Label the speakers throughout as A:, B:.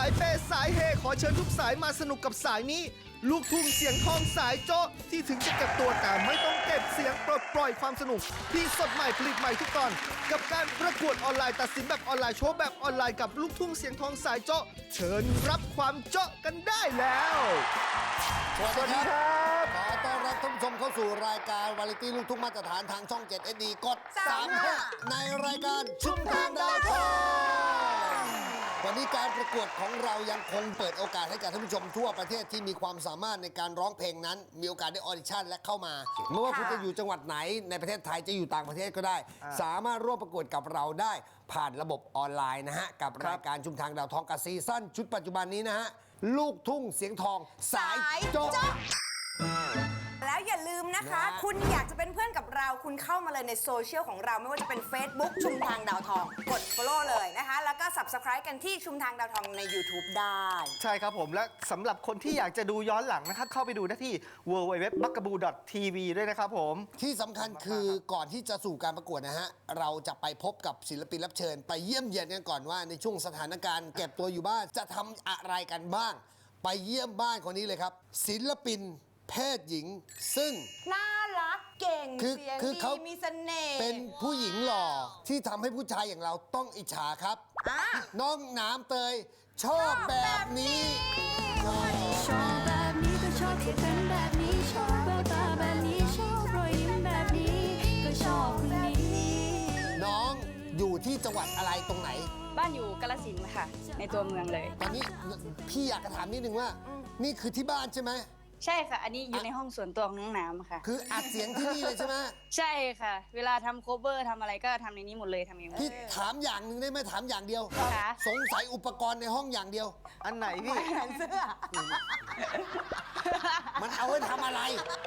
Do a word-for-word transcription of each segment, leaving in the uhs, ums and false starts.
A: ายเปย์สายเฮขอเชิญทุกสายมาสนุกกับสายนี้ ลูกทุ่งเสียงทองสายโจ๊ะที่ถึงจะเก็บตัวแต่ไม่ต้องเก็บเสียงปลดปล่อยความสนุกที่สดใหม่ผลิตใหม่ทุกตอนกับการประกวดออนไลน์ตัดสินแบบออนไลน์โชว์แบบออนไลน์กับลูกทุ่งเสียงทองสายโจ๊ะเชิญรับความโจ๊ะกันได้แล้ว
B: สวัสดีครับขอต้อนรับท่านผู้ชมเข้าสู่รายการวาไรตี้ลูกทุ่งมาตรฐานทางช่อง เจ็ด เอส ดี กด สามห้า ในรายการชุมทางดาวทองวันนี้การประกวดของเรายังคงเปิดโอกาสให้กับท่านผู้ชมทั่วประเทศที่มีความสามารถในการร้องเพลงนั้น มีโอกาสได้ออดิชั่นและเข้ามาไม่ว่าคุณจะอยู่จังหวัดไหนในประเทศไทยจะอยู่ต่างประเทศก็ได้ สามารถร่วมประกวดกับเราได้ผ่านระบบออนไลน์นะฮะกับรายการชุมทางดาวทองกับซีซั่นชุดปัจจุบันนี้นะฮะลูกทุ่งเสียงทองสายโจ๊ะ
C: แล้วอย่าลืมนะคะ คุณอยากจะเป็นเพื่อนกับเราคุณเข้ามาเลยในโซเชียลของเราไม่ว่าจะเป็น Facebook ชุมทางดาวทองกด follow เลยนะคะ แล้วก็ Subscribe กันที่ชุมทางดาวทองใน YouTube ได้
A: ใช่ครับผมและสำหรับคนที่อยากจะดูย้อนหลังนะครับเข้าไปดูได้ที่ ดับเบิลยู ดับเบิลยู ดับเบิลยู ดอท บักกะบู ดอท ที วี ด้วยนะครับผม
B: ที่สำคัญคือก่อนที่จะสู่การประกวดนะฮะเราจะไปพบกับศิลปินรับเชิญ ไปเยี่ยมเยียนกันก่อนว่าในช่วงสถานการณ์เก็บตัวอยู่บ้านจะทำอะไรกันบ้างไปเยี่ยมบ้านคนนี้เลยครับศิลปินเพศหญิงซึ่ง
C: น่ารักเก่ง
B: คือ
C: เสียง
B: คือ
C: ดี
B: เขา
C: มีเสน่ห์
B: เป็นผู้หญิงหล่อที่ทำให้ผู้ชายอย่างเราต้องอิจฉาครับ
C: อ่ะ
B: น้องน้ำเตยชอบแบบนี้
D: ชอบแบบนี้ก็ชอบที่เป็นแบบนี้ชอบแววตาแบบนี้ชอบรอยยิ้มแบบนี้ก็ชอบคนนี้
B: น้องอยู่ที่จังหวัดอะไรตรงไหน
E: บ้านอยู่กาฬสินธุ์ค่ะ ในตัวเมืองเลย
B: ตอนนี้พี่อยากจะถามนิดนึงว่า นี่คือที่บ้านใช่ไหม
E: ใช่ค่ะ อันนี้อยู่ในห้องส่วนตัวของน้องน้ำค่ะ
B: คืออัดเสียงที่นี่เลยใช่ไหม
E: ใช่ค่ะ เวลาทำโคเวอร์ทำอะไรก็ทำในนี้หมดเลยทำเองหมด
B: พี่ถามอย่างหนึ่งได้ไหมถามอย่างเดียว
E: ค่ะ
B: สงสัยอุปกรณ์ในห้องอย่างเดียว
A: อันไหนพี่
C: แขนเสื้อ
B: มันเอาไว้ทำอะไร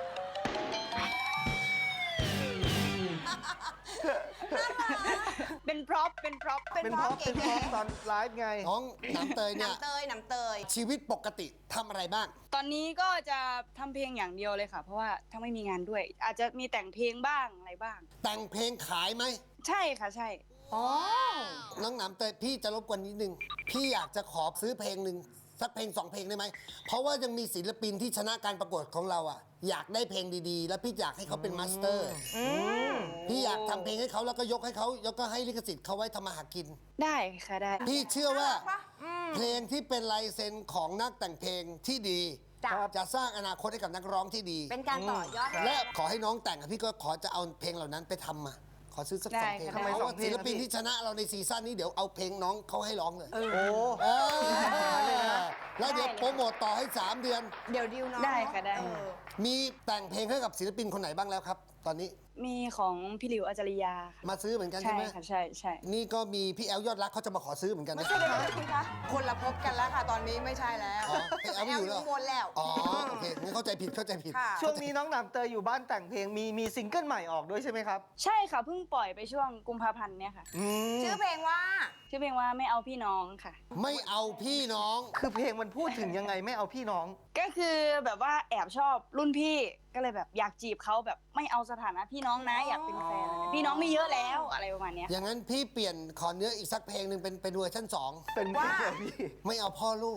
E: เป็นพร็อพเป็นพร็อพ
A: เป็นเพราะเป็นเพราะตอนไลฟ์ไง
B: น้องน้ำเตยเนี่ย
C: น้ำเตยน้ำเตย
B: ชีวิตปกติทำอะไรบ้าง
E: ตอนนี้ก็จะทำเพลงอย่างเดียวเลยค่ะ เพราะว่าถ้าไม่มีงานด้วย อาจจะมีแต่งเพลงบ้างอะไรบ้าง
B: แต่งเพลงขายไหม
E: ใช่ค่ะใช่
C: อ๋อ
B: น้องน้ำเตยพี่จะรบกวนนิดนึง พี่อยากจะขอซื้อเพลงหนึ่งสักเพลงสองเพลงได้ไหม เพราะว่ายังมีศิลปินที่ชนะการประกวดของเราอ่ะ อยากได้เพลงดีๆ แล้วพี่อยากให้เขาเป็นมาสเตอร์พี่อยากทำเพลงให้เขาแล้วก็ยกให้เขาแล้วก็ให้ลิขสิทธิ์เขาไว้ทำมาหากิน
E: ได้ค่ะได้
B: พี่เชื่อว่า
C: น่ารักปะอืม
B: เพลงที่เป็นลายเซ็นของนักแต่งเพลงที่ดี
C: จ้ะ
B: จะสร้างอนาคตให้กับนักร้องที่ดี
C: เป็นการต่อยอด
B: และขอให้น้องแต่งอะพี่ก็ขอจะเอาเพลงเหล่านั้นไปทำมา ขอซื้อสักสองเพลง
E: ได้ค่ะ
B: เพราะ
A: ทำไมสอ
B: ว่าง
A: เพลง
B: ศิลปิน
A: ครับพี่
B: ที่ชนะเราในซีซั่นนี้เดี๋ยวเอาเพลงน้องเขาให้ร้องเลย
A: โอ้
B: เออแล้วเดี๋ยวโปรโมทต่อให้สามเดือน
C: เดี๋ยวดิวน้อง
E: ได้ค่ะได้
C: เออ
B: มีแต่งเพลงให้กับศิลปินคนไหนบ้างแล้วครับ ตอนนี้
E: มีของพี่หลิวอาจาริยาค่ะ
B: มาซื้อเหมือนกัน
E: ใช่
B: ใช่ไหม
E: ค่ะใช่ใช่
B: นี่ก็มีพี่แอลยอดรักเขาจะมาขอซื้อเหมือนกัน
C: ไม่
B: นะ
C: ใช่เลยคุณคะคนละพบกันแล้วค่ะ ตอนนี้ไม่ใช่แล้ว
B: อ๋อพี่แอลไม่อยู่แล้ว
C: แวนแล้ว
B: อ๋อโอเคงั้นเข้าใจผิดเข้าใจผิด
C: ค่ะ
A: ช่วงนี้น้องหนามเตยอยู่บ้านแต่งเพลงมีมีซิงเกิลใหม่ออกด้วยใช่ไหมครับ
E: ใช่ค่ะเพิ่งปล่อยไปช่วงกุมภาพันธ์เนี่ยค่ะ
A: อืม
C: ชื่อเพลงว่า
E: ชื่อเพลงว่าไม่เอาพี่น้องค่ะ
B: ไม่เอาพี่น้อง
A: คือเพลงมันพูดถึงยังไงไม่เอาพี่น้อง
E: ก็คือแบบว่าแอบชอบรุ่นพี่ก็เลยแบบอยากจีบเขาแบบไม่เอาสถานะพี่น้องนะอยากเป็นแฟนอะไรพี่น้องมีเยอะแล้วอะไรประมาณเนี้ย
B: อย่างนั้นพี่เปลี่ยนขอเนื้ออีกสักเพลงหนึ่งเป็นเป็นเวอร์ชันสอง
A: เป็นเพลงอะไรพี่
B: ไม่เอาพ่อลูก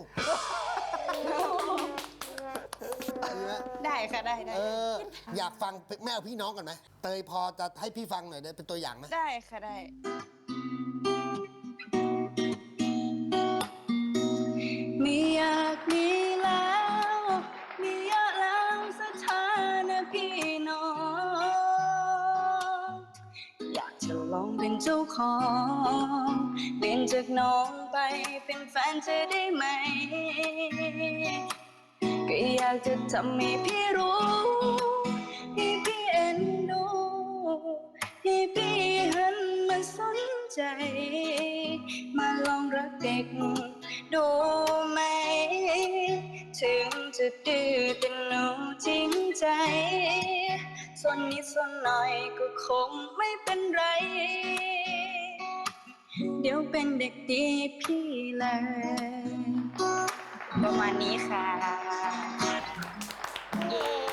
B: ดีไหม
E: ได้ค่ะได้ได้
B: เออ อยากฟังแม่เอาพี่น้องก่อนไหมเตยพอจะให้พี่ฟังหน่อยได้เป็นตัวอย่างไหม
E: ได้ค่ะได้ไม่อยากมีแล้วมีเยอะแล้วสถานะพี่น้องอยากจะลองเป็นเจ้าของเปลี่ยนจากน้องไปเป็นแฟนจะได้ไหมก็อยากจะทำให้พี่รู้ให้พี่เอ็นดูให้พี่หันมาสนใจมาลองรักเด็กดูไหมถึงจะดื้อแต่หนูจริงใจส่วนนิดส่วนหน่อยก็คงไม่เป็นไรเดี๋ยวเป็นเด็กดีพี่เลยประมาณนี้ค่ะเย้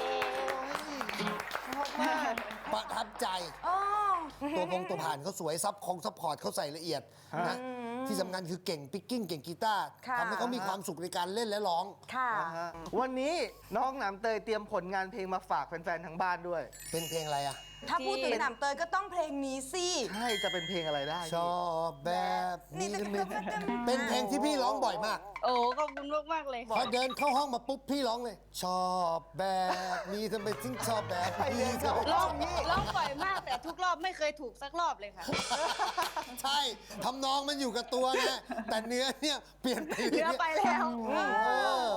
B: ประทับใจ
C: อ๋อ
B: ตัวพงตัวผ่านเขาสวยซับคงซับพอร์ตเขาใส่ละเอียดนะที่สำคัญคือเก่งปิกกิ้งเก่งกีตาร์
C: ค่ะ
B: ทำให้เขามีความสุขในการเล่นและร้อง
C: ค่ะ
A: นะฮะวันนี้น้องหนามเตยเตรียมผลงานเพลงมาฝากแฟนๆทางบ้านด้วย
B: เป็นเพลงอะไรอ่ะ
C: ถ้าพูดถึงหนำเตยก็ต้องเพลงนี้สิ
A: ใช่จะเป็นเพลงอะไรได้
B: ชอบแบบนี้
C: นี่
B: เป็นเป็นเพลงที่พี่ร้องบ่อยมาก
E: โอ้ขอบคุณมากๆเลย
B: พอเดินเข้าห้องมาปุ๊บพี่ร้องเลย ชอบแบบนี้ทำไมถึงชอบแบบนี้
E: ร้องร้องบ่อยมากแต่ทุกรอบไม่เคยถูกสักรอบเลยค่ะ
B: ใช่ทำนองมันอยู่กับตัวนะแต่เนื้อเนี่ยเปลี่ยนไป
E: เนื้อไปแล้ว
B: เออ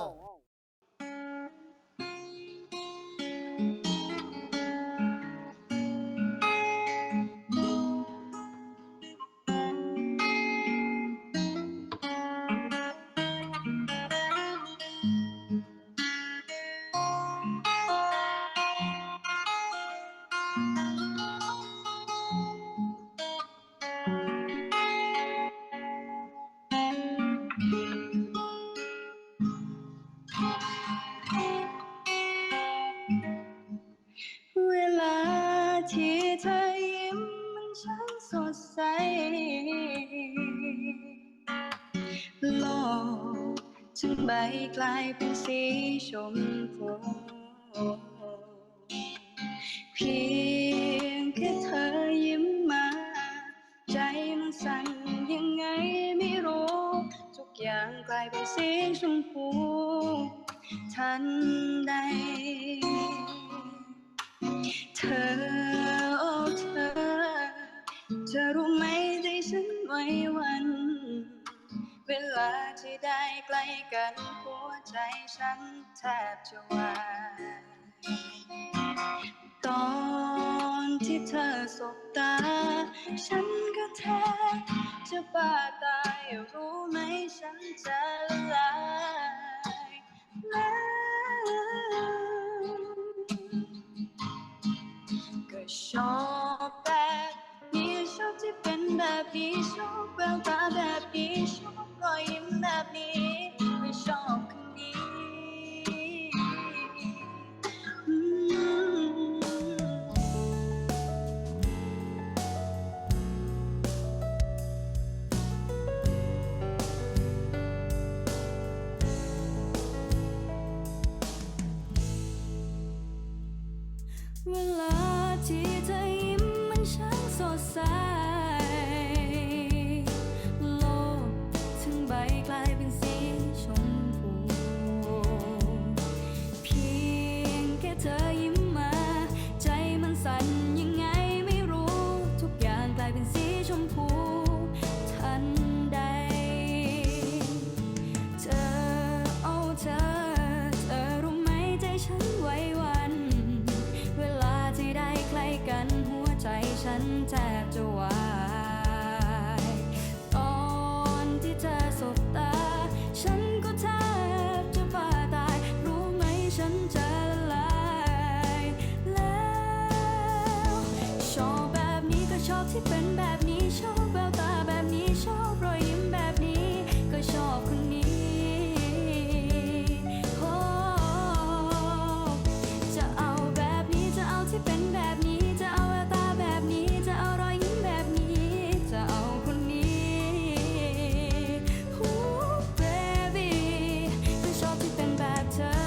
E: เวลาที่เธอยิ้มมันช่างสดใสโลกจึงใบกลายเป็นสีชมพูเพียงแค่เธอยิ้มมาใจมันสั่นยังไงไม่รู้ทุกอย่างกลายเป็นสีชมพูทันใดเธอโอ้เธอเธอรู้ไหมใจฉันไหวหวัน เวลาที่ได้ใกล้กันหัวใจฉันแทบจะวายตอนที่เธอสบตาฉันก็แทบจะบ้าตายรู้ไหมฉันจะละลายแล้วก็ชอบแบบนี้ชอบที่เป็นแบบนี้ชอบแววตาแบบนี้ชอบรอยยิ้มแบบนี้ไม่ชอบคนนี้อืม
D: เวลาที่เธอยิ้มมันช่างสดใสโลกถึงใบกลายเป็นสีชมพูเพียงแค่เธอยิ้มมาใจมันสั่นยังไงไม่รู้ทุกอย่างกลายเป็นสีชมพูทันใดเธอโอ้เธอเธอรู้ไหมใจฉันไหวหวั่นเวลาที่ได้ใกล้กันหัวใจฉันแทบจะวายตอนที่เธอสบตาฉันก็แทบจะบ้าตายรู้ไหมฉันจะละลายแล้วชอบแบบนี้ก็ชอบที่เป็นแบบนี้ชอบแววตาแบบนี้ชอบรอยยิ้มแบบนี้ก็ชอบคนนี้โอ้จะเอาแบบนี้จะเอาที่เป็นแบบนี้จะเอาแววตาแบบนี้จะเอารอยยิ้มแบบนี้จะเอาคนนี้โอ้ baby ก็ชอบที่เป็นแบบเธอ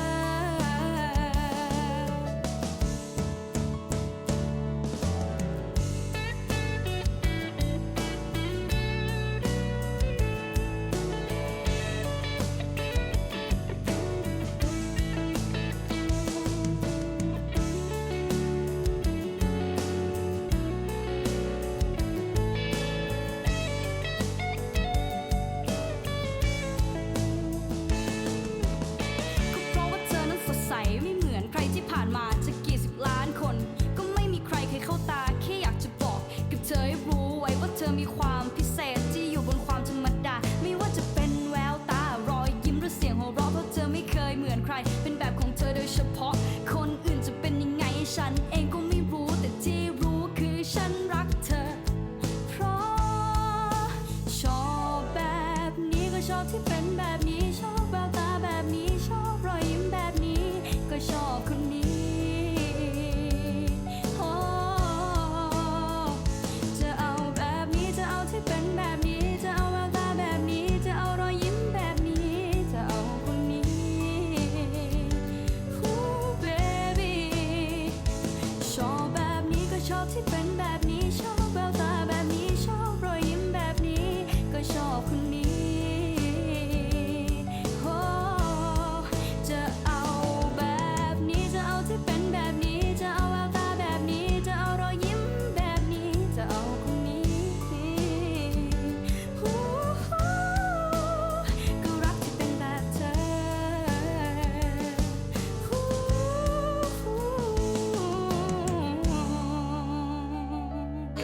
D: ก็เพราะว่าเธอนั้นสดใสไม่เหมือนใครที่ผ่านมาจะกี่สิบล้านคน ก็ไม่มีใครเคยเข้าตาแค่อยากจะบอกกับเธอให้รู้ไว้ว่าเธอมีความพิเศษที่อยู่บนความธรรมดาไม่ว่าจะเป็นแววตารอยยิ้มหรือเสียงหัวเราะเพราะเธอไม่เคยเหมือนใคร เป็นแบบของเธอโดยเฉพาะคนอื่นจะเป็นยังไงฉันเองก็ไม่รู้แต่ที่รู้คือฉันรักเธอ เพราะชอบแบบนี้ก็ชอบที่เป็นแบบนี้ชอบแววตาแบบนี้ชอบรอยยิ้มแบบนี้ก็ชอบคนนี้โอ้จะเอาแบบนี้จะเอาที่เป็นแบบนี้จะเอาแววตาแบ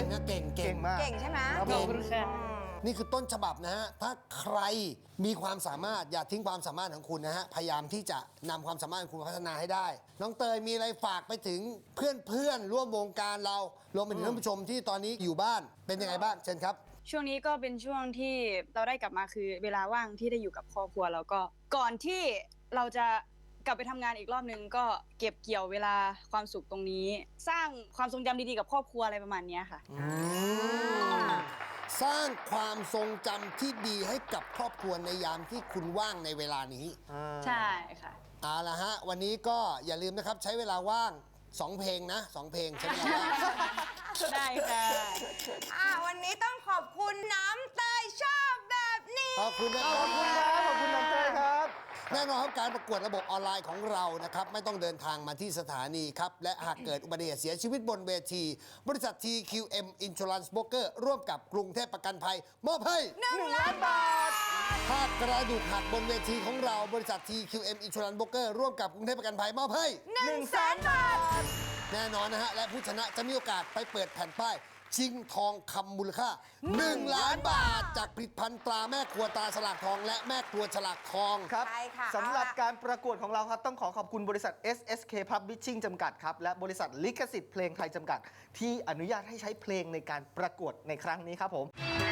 B: นะเก่งเก่
A: เก่
B: ง
A: งมาก
C: เก่งใช่ไหม
A: ครับ
E: ขอบคุณค่ะ
B: นี่คือต้นฉบับนะฮะ ถ้าใครมีความสามารถอย่าทิ้งความสามารถของคุณนะฮะ พยายามที่จะนำความสามารถของคุณพัฒนาให้ได้ น้องเตยมีอะไรฝากไปถึงเพื่อนเพื่อนๆร่วมวงการเรา รวมไปถึงท่านผู้ชมที่ตอนนี้อยู่บ้าน เป็นยังไงบ้าง เชิญครับ
E: ช่วงนี้ก็เป็นช่วงที่เราได้กลับมาคือเวลาว่างที่ได้อยู่กับครอบครัวแล้วก็ก่อนที่เราจะกลับไปทำงานอีกรอบนึงก็เก็บเกี่ยวเวลาความสุขตรงนี้ สร้างความทรงจำดีๆกับครอบครัวอะไรประมาณเนี้ยค่ะ
B: สร้างความทรงจำที่ดีให้กับครอบครัวในยามที่คุณว่างในเวลานี้
E: ใช่ค่ะ
B: เอาละฮะ วันนี้ก็อย่าลืมนะครับใช้เวลาว่างสองเพลงนะสองเพลงใช้เวลาว่าง
E: ได้ค่ะ
C: อ่าวันนี้ต้องขอบคุณน้ำเตยชอบแบบนี้
B: ขอบคุณนะค
A: ข
B: รั
A: อ
B: บบ
A: คุณครับขอบคุณน้องเต้ยครับ
B: แน่นอนครับการประกวดระบบออนไลน์ของเรานะครับไม่ต้องเดินทางมาที่สถานีครับ และหากเกิดอุบัติเหตุเสียชีวิตบนเวที บริษัท ที คิว เอ็ม Insurance Broker ร่วมกับกรุงเทพประกันภัย มอบให้
C: หนึ่งล้านบาท
B: ถ้ากระดูกหักบนเวทีของเราบริษัท ที คิว เอ็ม Insurance Broker ร่วมกับกรุงเทพประกันภัยมอบให้
C: หนึ่งแสนบาท
B: แน่นอนนะฮะ และผู้ชนะจะมีโอกาสไปเปิดแผ่นป้าย ชิงทองคำมูลค่า หนึ่ง ล้านบาท จากผลิตภัณฑ์ตราแม่ครัวตราฉลากทอง และแม่ครัวฉลากทอง
A: ครับ
C: ใช่ค่ะ
A: สำหรับ
C: เอาล่ะ
A: การประกวดของเราครับ ต้องขอขอบคุณบริษัท เอส เอส เค Publishing จำกัดครับ และบริษัทลิขสิทธิ์เพลงไทยจำกัด ที่อนุญาตให้ใช้เพลงในการประกวดในครั้งนี้ครับผม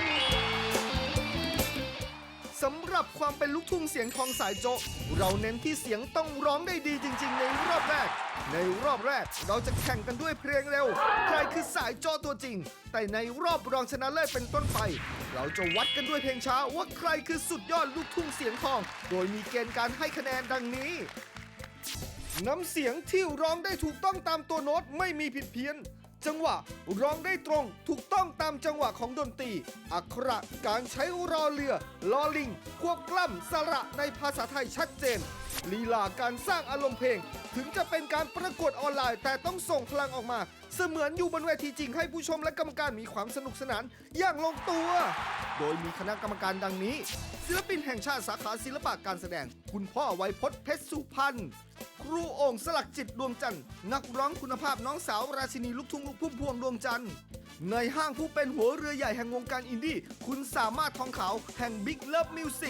A: สำหรับความเป็นลูกทุ่งเสียงทองสายโจะเราเน้นที่เสียงต้องร้องได้ดีจริง ๆ ในรอบแรก ในรอบแรกเราจะแข่งกันด้วยเพลงเร็ว ใครคือสายโจะตัวจริง แต่ในรอบรองชนะเลิศเป็นต้นไป เราจะวัดกันด้วยเพลงช้าว่าใครคือสุดยอดลูกทุ่งเสียงทอง โดยมีเกณฑ์การให้คะแนนดังนี้ น้ำเสียงที่ร้องได้ถูกต้องตามตัวโน้ตไม่มีผิดเพี้ยน จังหวะร้องได้ตรงถูกต้องตามจังหวะของดนตรี อักขระการใช้รอเรือลอลิง ควบกล้ำสระในภาษาไทยชัดเจน ลีลาการสร้างอารมณ์เพลง ถึงจะเป็นการประกวดออนไลน์ แต่ต้องส่งพลังออกมา เสมือนอยู่บนเวทีจริงให้ผู้ชมและกรรมการมีความสนุกสนานอย่างลงตัว โดยมีคณะกรรมการดังนี้ ศิลปินแห่งชาติสาขาศิลปะการแสดง คุณพ่อไวยพจน์เพชรสุพรรณ ครูโอ่งสลักจิตดวงจันทร์นักร้องคุณภาพน้องสาวราชินีลูกทุ่งลูกพุ่มพวงดวงจันทร์ในห้างผู้เป็นหัวเรือใหญ่แห่งวงการอินดี้คุณสามารถทองขาวแห่ง Big Love Music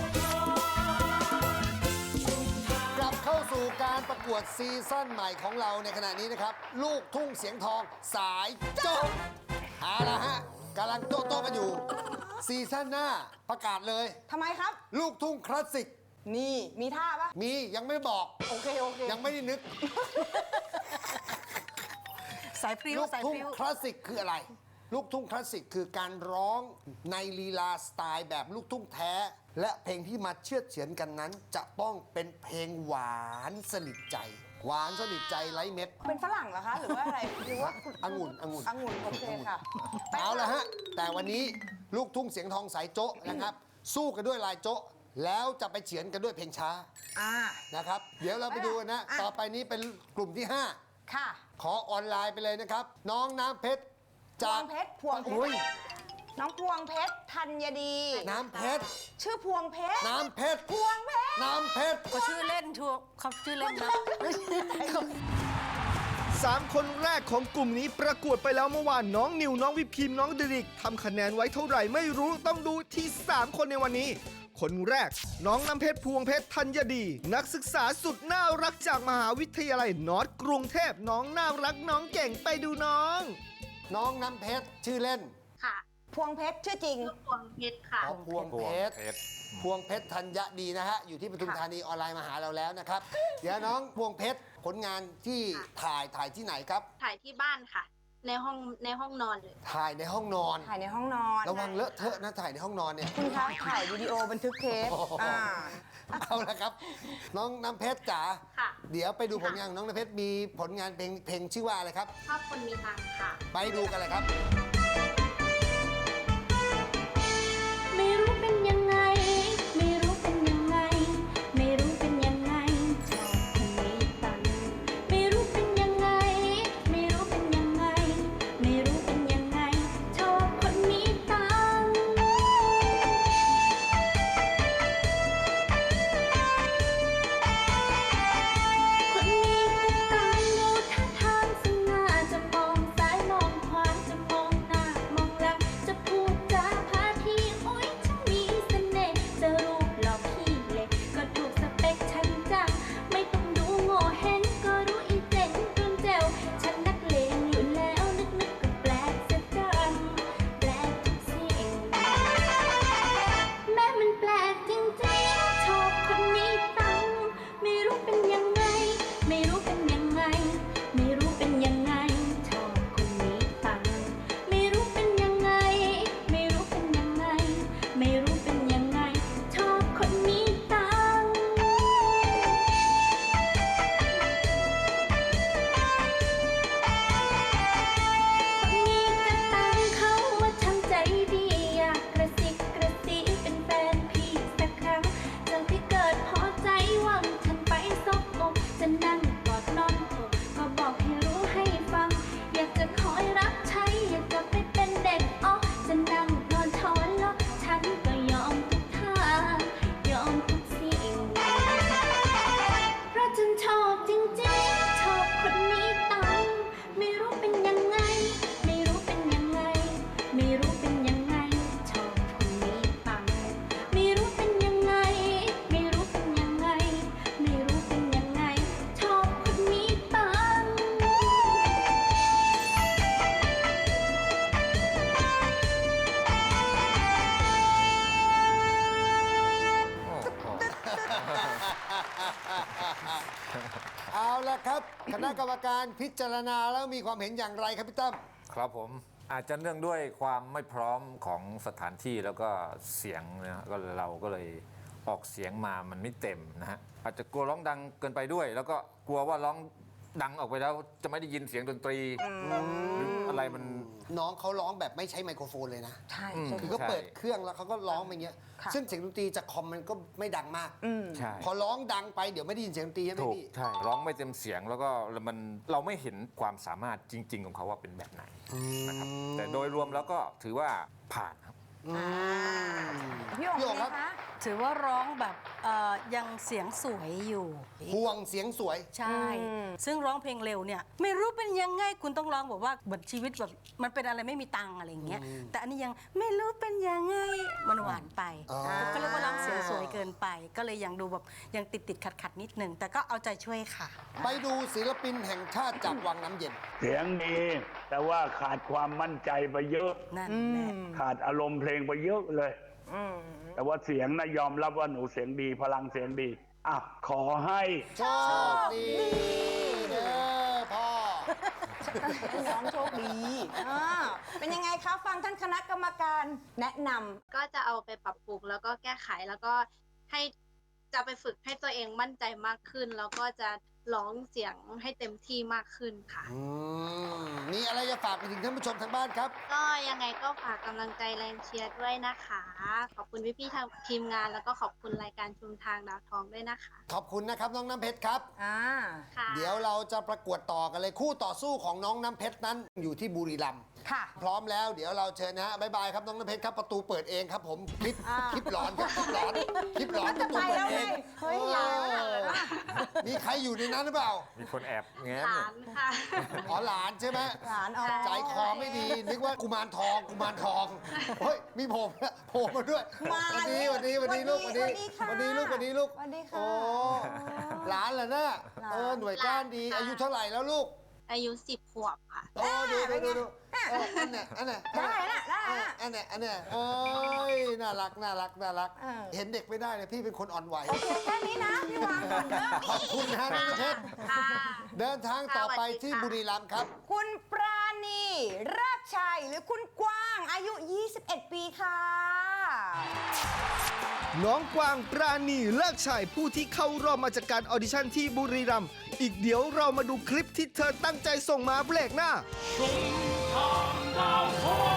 B: กลับเข้าสู่การประกวดซีซั่นใหม่ของเราในขณะนี้นะครับ ลูกทุ่งเสียงทองสายโจ๊กเอาละฮะกำลังโต๊ะๆกันอยู่ ซีซั่นหน้าประกาศเลย
C: ทำไมครับ
B: ลูกทุ่งคลาสสิก
C: นี่มีท่าปะ
B: มียังไม่บอก
C: โอเค โอเค
B: ยังไม่ได้นึก
C: สายพริ้ว
B: ลูก
C: สาย
B: ทุ่
C: พ
B: ง
C: ริ้ว
B: คลาสสิกคืออะไร ลูกทุ่งคลาสสิกคือการร้องในลีลาสไตล์แบบลูกทุ่งแท้ และเพลงที่มาเชื่อดเฉือนกันนั้น จะต้องเป็นเพลงหวานสนิทใจ หวานสนิทใจไร้เม็ด
C: เป็นฝรั่งเหรอคะ หรือว่าอะไร หรือว่า
B: องุ่นองุ่น
C: องุ่นโอเคค่ะไป
B: เอาละฮะ แต่วันนี้ลูกทุ่งเสียงทองสายโจ๊ะนะครับ สู้กันด้วยลายโจ๊ะแล้วจะไปเฉือนกันด้วยเพลงช้า
C: อ่า
B: นะครับ เดี๋ยวเราไปดูกันนะ
C: อ่ะ
B: ต่อไปนี้เป็นกลุ่มที่ห้า
C: ค่ะ
B: ขอออนไลน์ไปเลยนะครับ น้องน้ำเพชร
C: พวงเพชรพวงเพชร
B: อุ้ย
C: น้องพวงเพชรธัญดี
B: น้ำเพชร
C: ชื่อพวงเพชร
B: น้ำเพชร
C: พวงเพชร
B: น้ำเพชร
F: ก็ชื่อเล่นทัวเขาชื่อเล่นนะ
A: สามคนแรกของกลุ่มนี้ประกวดไปแล้วเมื่อวานน้องนิวน้องวิพิมน้องดิริกทำคะแนนไว้เท่าไหร่ไม่รู้ต้องดูที่สามคนในวันนี้ คนแรกน้องน้ำเพชรพวงเพชรธัญดี นักศึกษาสุดน่ารักจากมหาวิทยาลัยนอร์ทกรุงเทพน้องน่ารักน้องเก่งไปดูน้อง
B: น้องน้ำเพชรชื่อเล่น
F: ค่ะ
C: พวงเพชรชื่อจริง
F: พวงเพชรค่ะ
B: ขอพวงเพชร พวงเพชรธัญดีนะฮะ อยู่ที่ปทุมธานีออนไลน์มาหาเราแล้วนะครับ เดี๋ยวน้องพวงเพชรผลงานที่ถ่ายถ่ายที่ไหนครับ
F: ถ่ายที่บ้านค่ะ ในห้องในห้องนอนเลย
B: ถ่ายในห้องนอน
C: ถ่ายในห้องนอน
B: ระวังเลอะเทอะนะถ่ายในห้องนอนเนี่ย
C: คุณคะถ่ายวิดีโอบันทึกเทป
B: โอ้โห
C: อ่า
B: เอาละครับ น้องน้ำเพชรจ๋า
F: ค่ะ
B: เดี๋ยวไปดูผลงานของน้องน้ำเพชรมีผลงานเพลงเพลงชื่อว่าอะไรครับ
F: ชอบคนมีตังค์ค่ะ
B: ไปดูกันเลยครับ
E: ไม่รู้เป็นยังไง ไม่รู้เป็นยังไง ไม่รู้เป็นยังไงชอบคนมีตังค์ไม่รู้เป็นยังไง ไม่รู้เป็นยังไง ไม่รู้เป็นยังไงชอบคนมีตังค์คนมีตังค์ดูท่าทางสง่าจะมองซ้ายมองขวาจะมอง
B: คณะกรรมการพิจารณาแล้วมีความเห็นอย่างไรครับพี่ตั้ม
G: ครับผมอาจจะเนื่องด้วยความไม่พร้อมของสถานที่แล้วก็เสียงนะฮะก็เราก็เลยออกเสียงมามันไม่เต็มนะฮะอาจจะกลัวร้องดังเกินไปด้วย แล้วก็กลัวว่าร้องดังออกไปแล้วจะไม่ได้ยินเสียงดนตรีหรืออะไรมัน
B: น้องเขาร้องแบบไม่ใช้ไมโครโฟนเลยนะ
C: ใช่
G: อืม
B: คือก็เปิดเครื่องแล้วเขาก็ร้องไปอย่างเงี้ย
C: ค่ะ
B: ซึ่งเสียงดนตรีจากคอมมันก็ไม่ดังมาก
G: ใช่
B: พอร้องดังไปเดี๋ยวไม่ได้ยินเสียงดนตรีใช่ไหม
G: ถูก
B: พี่
G: ใช่ร้องไม่เต็มเสียงแล้วก็มันเราไม่เห็นความสามารถจริง ๆ ของเขาว่าเป็นแบบไหนนะครับแต่โดยรวมแล้วก็ถือว่าผ่านครับ
C: พี่โอ๋
B: พี่โอ๋
C: เป็น
B: ครั
C: ไง
B: บ
C: คะ
H: ถือว่าร้องแบบเอ่อยังเสียงสวยอยู่
B: ห่วงเสียงสวย
H: ใช่ ซึ่งร้องเพลงเร็วเนี่ยไม่รู้เป็นยังไงคุณต้องร้องแบบว่าเหมือนชีวิตแบบมันเป็นอะไรไม่มีตังค์อะไรอย่างเงี้ยแต่อันนี้ยังไม่รู้เป็นยังไงมันหวานไป
B: อ๋อ
H: ก็เรียกว่าร้องเสียงสวยเกินไป ก็เลยยังดูแบบยังติดติดขัดขัดๆนิดนึงแต่ก็เอาใจช่วยค่ะ
B: ไปดูศิลปินแห่งชาติจากวังน้ำเย็น
I: เสียงดีแต่ว่าขาดความมั่นใจไปเยอะ
H: นั่นแหละ
I: ขาดอารมณ์เพลงไปเยอะเลย แต่ว่าเสียงนะยอมรับว่าหนูเสียงดี พลังเสียงดีอ่ะขอให้
B: โชคดีเด้อพ่อ
C: น้องโชคดีอ่าเป็นยังไงคะฟังท่านคณะกรรมการแนะนำ
F: ก็จะเอาไปปรับปรุงแล้วก็แก้ไขแล้วก็ให้จะไปฝึกให้ตัวเองมั่นใจมากขึ้น แล้วก็จะร้องเสียงให้เต็มที่มากขึ้นค่ะ
B: อืมมีอะไรจะฝากไปถึงท่านผู้ชมทางบ้านครับ
F: ก็ยังไงก็ฝากกำลังใจแรงเชียร์ด้วยนะคะ ขอบคุณพี่ๆทางทีมงานแล้วก็ขอบคุณรายการชุมทางดาวทองด้วยนะคะ
B: ขอบคุณนะครับน้องน้ำเพชรครับ
C: อ่า
F: ค่ะ
B: เดี๋ยวเราจะประกวดต่อกันเลยคู่ต่อสู้ของน้องน้ำเพชรนั้นอยู่ที่บุรีรัมย์
C: ค่ะ
B: พร้อมแล้วเดี๋ยวเราเชิญนะฮะบ๊ายบายครับน้องน้ำเพชรครับประตูเปิดเองครับผมคลิป
C: อ่า
B: คลิปหลอนครับคลิปหลอนคลิปหลอนประตู
C: ไป
B: เปิด
C: แล้ว
B: เอ
C: ไง
B: ง
C: เฮ้ย
B: โอ้
C: ยายแล้วนะ
B: มีใครอยู่ในนั้นหรือเปล่า
G: มีคนแอบแง้ม
F: ห
G: เนี่
F: ลาย นค่ะ
B: อ๋อหลานใช่ไหม
C: หลานอ๋อ
B: ใจคอไม่ดีนึกว่ากุมารทองกุมารทองเฮ้ยมีผมโผล่มาด้วย
C: มา
B: วันนี้วันนี้วันนี้ลูกวันนี้
C: สวัสดีค่ะ
B: วันนี้ลูกวันนี้ลูก
C: สวัสดีค่ะ
B: โอ้หลานเหรอเนี่ยเออหน่วยก้านดี
F: หลานค่ะ
B: อายุเท่าไหร่แล้วลูก
F: อายุสิบขวบค่ะ
B: โอ้ดูดูดูดูเอออันเนี้ยอันเนี้ย
C: ได้ละได้ละ
B: อันเนี้ยอันเนี้ยเอ้ยน่ารักน่ารักน่ารัก
C: เออ
B: เห็นเด็กไม่ได้เลยพี่เป็นคนอ่อนไหว
C: โอเคแค่นี้นะพี่วางก่อนเด้อ
B: ขอบคุณนะฮะน้องเพชร
F: ค่ะ
B: เดินทางต่อไป
F: สวัสดีค่ะ
B: ที่บุรีรัมย์ครับ
C: คุณปราณีรากชัยหรือคุณกว้างอายุ ยี่สิบเอ็ด ปีค่ะ
A: น้องกวางปราณีเลิกชัยผู้ที่เข้ารอบมาจากการออดิชั่นที่บุรีรัมย์อีกเดี๋ยวเรามาดูคลิปที่เธอตั้งใจส่งมาเบรกหน้า
J: ชุมทางดาวทอง